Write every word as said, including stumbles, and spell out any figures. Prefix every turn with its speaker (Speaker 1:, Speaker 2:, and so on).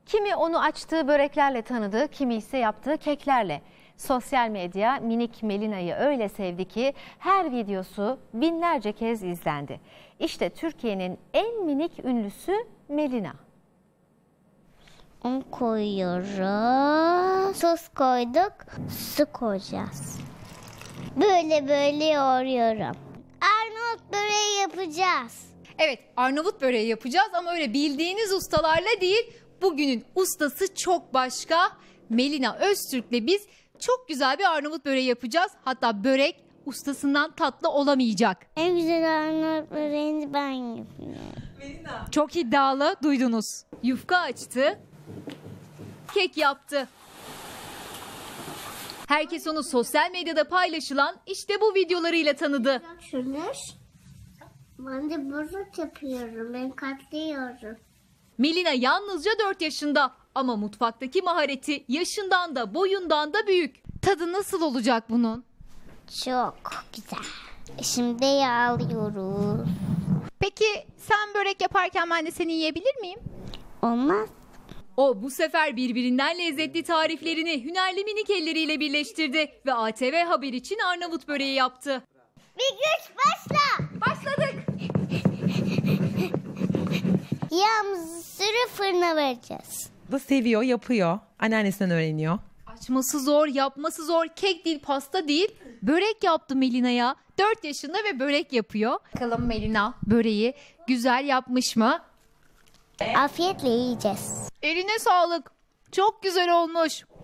Speaker 1: Kimi onu açtığı böreklerle tanıdı, kimi ise yaptığı keklerle. Sosyal medya minik Melina'yı öyle sevdi ki her videosu binlerce kez izlendi. İşte Türkiye'nin en minik ünlüsü Melina.
Speaker 2: Un koyuyoruz. Tuz koyduk. Su koyacağız. Böyle böyle yoğuruyorum. Arnavut böreği yapacağız.
Speaker 3: Evet, Arnavut böreği yapacağız ama öyle bildiğiniz ustalarla değil. Bugünün ustası çok başka. Melina Öztürk'le biz çok güzel bir Arnavut böreği yapacağız. Hatta börek ustasından tatlı olamayacak.
Speaker 2: En güzel Arnavut böreğini ben yapıyorum.
Speaker 3: Çok iddialı, duydunuz. Yufka açtı, kek yaptı. Herkes onu sosyal medyada paylaşılan işte bu videolarıyla tanıdı.
Speaker 2: Şunu ben de börek yapıyorum. Ben katlıyorum.
Speaker 3: Melina yalnızca dört yaşında ama mutfaktaki mahareti yaşından da boyundan da büyük. Tadı nasıl olacak bunun?
Speaker 2: Çok güzel. Şimdi yağlıyoruz.
Speaker 3: Peki sen börek yaparken ben de seni yiyebilir miyim?
Speaker 2: Olmaz.
Speaker 3: O bu sefer birbirinden lezzetli tariflerini hünerli minik elleriyle birleştirdi ve A T V Haber için Arnavut böreği yaptı.
Speaker 2: Bir güç başla.
Speaker 3: Başladık.
Speaker 2: Yağımızı sürüp fırına vereceğiz.
Speaker 4: Da seviyor, yapıyor. Anneannesinden öğreniyor.
Speaker 3: Açması zor, yapması zor. Kek değil, pasta değil. Börek yaptı Melina'ya. dört yaşında ve börek yapıyor. Bakalım Melina böreği güzel yapmış mı?
Speaker 2: Afiyetle yiyeceğiz.
Speaker 3: Eline sağlık. Çok güzel olmuş.